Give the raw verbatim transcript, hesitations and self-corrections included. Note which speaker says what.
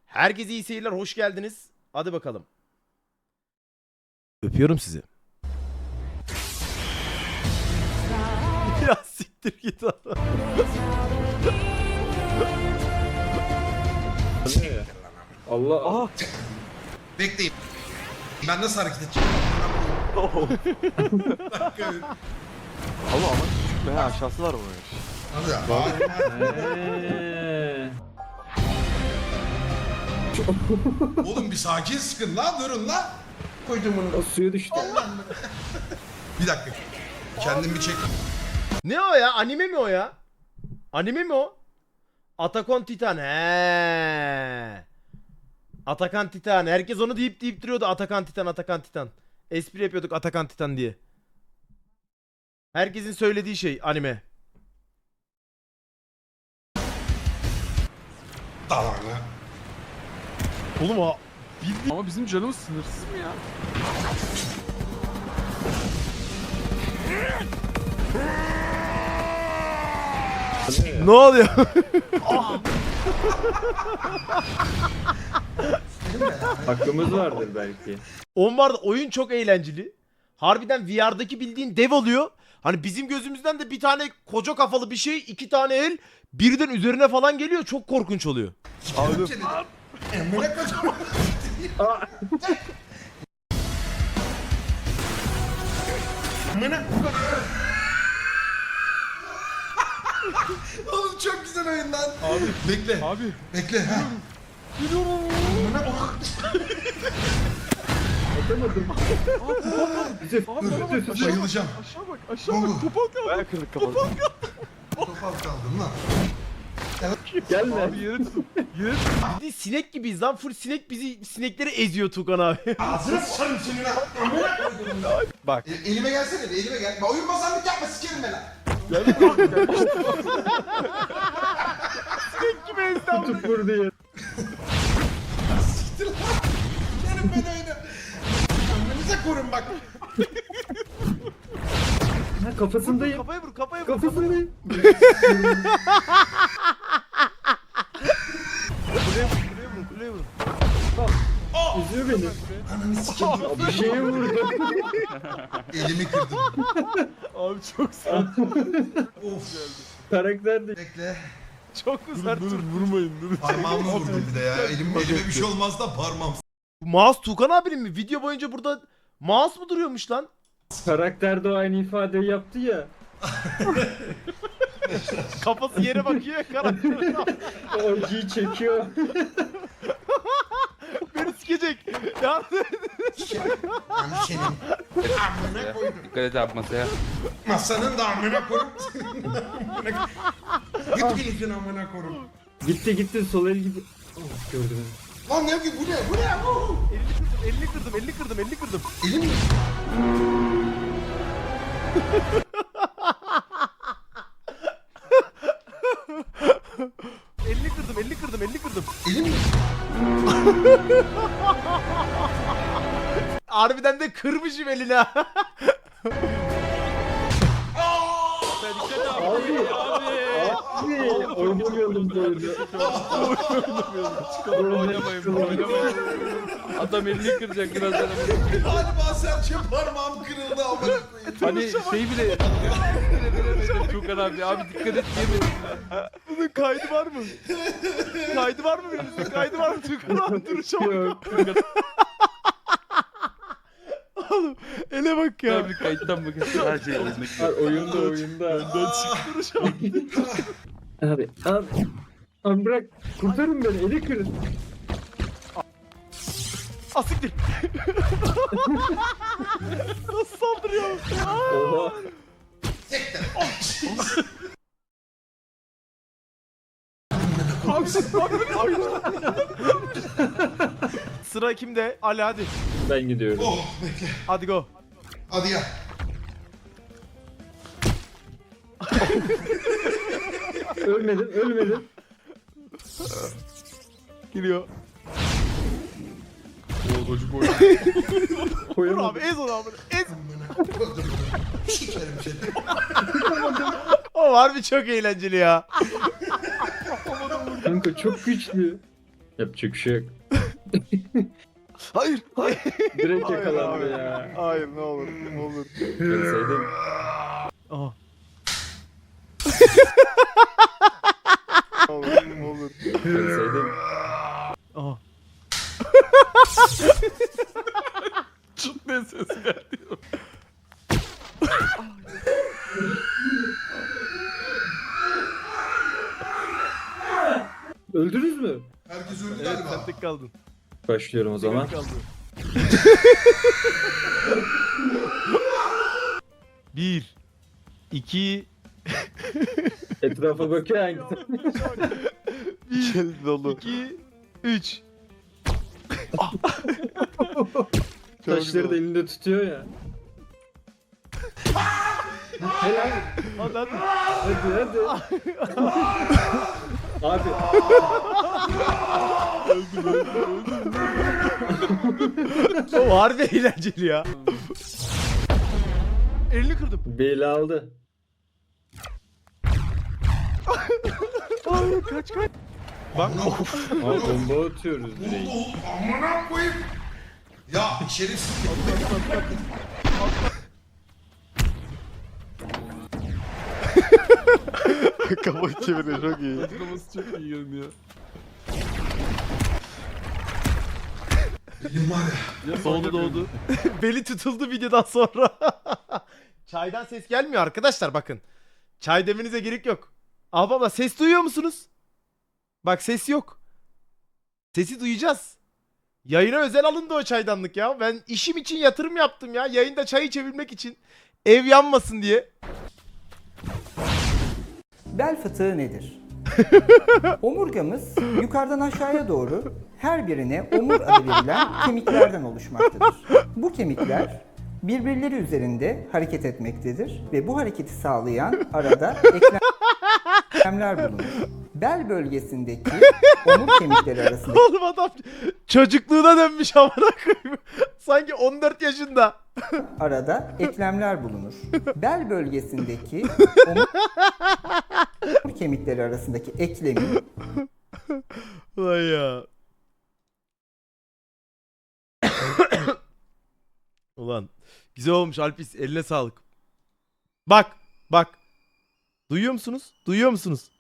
Speaker 1: Herkese iyi seyirler, hoş geldiniz. Hadi bakalım. Öpüyorum sizi. Ya siktir git adam.
Speaker 2: Allah. Aha.
Speaker 3: Bekleyin. Ben nasıl hareket edeceğim?
Speaker 2: Allah ama küçük mü? He aşağısı var mı?
Speaker 3: Hadi ya.
Speaker 2: Eee.
Speaker 3: Oğlum bir sakin sıkın lan, durun lan. Koydum bunu.
Speaker 2: O suya düştü.
Speaker 3: Bir dakika. Kendim bir çek.
Speaker 1: Ne o ya? Anime mi o ya? Anime mi o? Attack Titan. He. Atakan Titan. Herkes onu deyip deyip duruyordu. Atakan Titan, Atakan Titan. Espri yapıyorduk Atakan Titan diye. Herkesin söylediği şey anime.
Speaker 3: Tamam.
Speaker 1: Oğlum o
Speaker 2: Ama bizim canımız sınırsız mı ya?
Speaker 1: ne oluyor?
Speaker 2: Hakkımız vardır belki.
Speaker 1: On vardı, oyun çok eğlenceli. Harbiden V R'daki bildiğin dev oluyor. Hani bizim gözümüzden de bir tane koca kafalı bir şey, iki tane el birden üzerine falan geliyor. Çok korkunç oluyor.
Speaker 3: Aldım. Emre kocaman. Amına. Oğlum çok güzel oyun lan. Abi. Bekle.
Speaker 2: Abi.
Speaker 3: Bekle. Ha. Amına bak.
Speaker 2: Atamadım. Bize
Speaker 3: Bayılacağım.
Speaker 2: aşağı bak aşağı
Speaker 3: Ne oldu?
Speaker 2: bak topal kaldı. Bayağı kırdık kafanı.
Speaker 3: Topal kaldım lan.
Speaker 2: Gelme. Abi yere tutun. Yere tutun.
Speaker 1: Biz de sinek gibiyiz lan. Full sinek bizi sinekleri eziyor Tukan abi.
Speaker 3: Ağzına sıçarım senin ha. Amına koydum lan.
Speaker 1: Bak.
Speaker 3: E, elime gelsene, elime gel. Bak, oyun bazanlık yapma, sikerim ben lan.
Speaker 1: Sinek gibi ezdi amına.
Speaker 2: Tut vur diye.
Speaker 3: Siktir lan. Sikerim ben oyunu. Amınıza korun bak.
Speaker 2: Ha kafasındayım.
Speaker 1: Kafaya vur, kafaya vur.
Speaker 2: Kafasındayım.
Speaker 1: Buraya vur, buraya vur, buraya vur.
Speaker 2: Üzüyor beni.
Speaker 3: Ananı sikeyim.
Speaker 2: Bir şeye vurdu.
Speaker 3: Elimi kırdım.
Speaker 1: Abi çok sert.
Speaker 3: Of.
Speaker 2: Karakter de.
Speaker 3: Bekle.
Speaker 1: Çok mu sert?
Speaker 2: Dur vurmayın dur.
Speaker 3: Parmağımı vurdum bir de ya. Elim, elime bir şey olmaz da parmağım.
Speaker 1: Mouse Tukan abinin mi? Video boyunca burada mouse mu duruyormuş lan?
Speaker 2: Karakter de o aynı ifadeyi yaptı ya.
Speaker 1: Kafası yere bakıyor ya karakter.
Speaker 2: O acıyı çekiyor.
Speaker 1: Beni sikecek. Ya
Speaker 3: Yani senin. Amına koydum.
Speaker 4: Dikkat et abi masaya.
Speaker 3: Masanın da amına koydum. Git gidin amına koydum.
Speaker 2: Gitti gitti sol el gitti. Oh, gördüm.
Speaker 3: Lan ne yapayım, bu ne? Bu ne? Oh!
Speaker 1: elini kırdım, elini kırdım, elini kırdım, elini kırdım.
Speaker 3: Elim mi?
Speaker 1: elini kırdım, elini kırdım, elini kırdım.
Speaker 3: Elim mi?
Speaker 1: Harbiden de kırmışım eline.
Speaker 2: Abi abi oynamıyordum bu oyunu.
Speaker 4: Oynamayın, oynamayın. Adam elini kıracak birazdan.
Speaker 3: Galiba serçe parmağım kırıldı amına koyayım.
Speaker 4: Hani şey bile... Tukan abi, abi dikkat et yemedim.
Speaker 1: Bunun kaydı var mı? Kaydı var mı birinizin? Kaydı var mı? Tukan abi duruşa bak.
Speaker 2: Yok.
Speaker 1: Oğlum ele bak ya.
Speaker 4: Abi kayıttan bakın. Her şey elindeki.
Speaker 2: Ha, oyunda oyunda.
Speaker 1: Duruşa bak.
Speaker 2: Abi abi. Abi bırak kurtarın beni eli kırın.
Speaker 1: Asiktir. Nasıl saldırıyor?
Speaker 2: Oha.
Speaker 1: Sıra kimde? Ali hadi.
Speaker 2: Ben gidiyorum.
Speaker 3: Oh bekle.
Speaker 1: Hadi go.
Speaker 3: Hadi ya.
Speaker 2: Ölmedin ölmedin.
Speaker 1: Geliyor. Vur
Speaker 2: Koyamadım.
Speaker 1: abi ez onu abi. Ez.
Speaker 3: Amına koydum. Sikerim seni.
Speaker 1: O harbi çok eğlenceli ya.
Speaker 2: Kanka çok güçlü. Yapacak bir şey yok.
Speaker 4: Hayır, hayır.
Speaker 2: Direkt
Speaker 4: Hayır
Speaker 2: yakalandı
Speaker 4: abi.
Speaker 2: ya.
Speaker 4: Hayır, ne olur, ne olur.
Speaker 2: Bilseydim.
Speaker 1: Aa.
Speaker 4: Ne olur, ne olur.
Speaker 2: Bilseydim.
Speaker 1: Aa.
Speaker 4: Çıt ne ses geldi.
Speaker 2: Öldünüz mü?
Speaker 3: Herkes öldü
Speaker 1: Evet
Speaker 3: galiba.
Speaker 1: sen tek kaldın.
Speaker 2: Başlıyorum o zaman.
Speaker 1: Tek kaldı. Bir. iki.
Speaker 2: Etrafa bakıyor hangi
Speaker 4: İçeri dolu.
Speaker 1: iki. Üç.
Speaker 2: taşları da elinde tutuyor ya. Helal.
Speaker 1: Hadi hadi.
Speaker 2: Hadi hadi. Abi.
Speaker 1: O harbi eğlenceli ya. Elini kırdım.
Speaker 2: Beyli aldı.
Speaker 1: Aa, kaç kaç. Bak.
Speaker 2: Abi bomba atıyoruz
Speaker 3: Oldu
Speaker 2: direkt.
Speaker 3: oldu. Amına koyayım. Ya şerefsiz.
Speaker 4: Kafayı çeviriyor, çok iyi. Kafası çok iyi görünüyor.
Speaker 3: Benim var ya.
Speaker 1: Doğdu doğdu. Beli tutuldu videodan sonra. Çaydan ses gelmiyor arkadaşlar bakın. Çay demenize gerek yok. Aa baba ses duyuyor musunuz? Bak ses yok. Sesi duyacağız. Yayına özel alındı o çaydanlık ya. Ben işim için yatırım yaptım ya. Yayında çay içebilmek için. Ev yanmasın diye.
Speaker 5: Bel fıtığı nedir? Omurgamız yukarıdan aşağıya doğru her birine omur adı verilen kemiklerden oluşmaktadır. Bu kemikler birbirleri üzerinde hareket etmektedir ve bu hareketi sağlayan arada eklemler bulunur. Bel bölgesindeki omur kemikleri arasındaki
Speaker 1: Oğlum adam çocukluğuna dönmüş amına koyayım. Sanki on dört yaşında.
Speaker 5: arada eklemler bulunur. Bel bölgesindeki omur kemikleri arasındaki eklemin
Speaker 1: Vay ya. Ulan güzel olmuş Alpis, eline sağlık. Bak bak. Duyuyor musunuz? Duyuyor musunuz?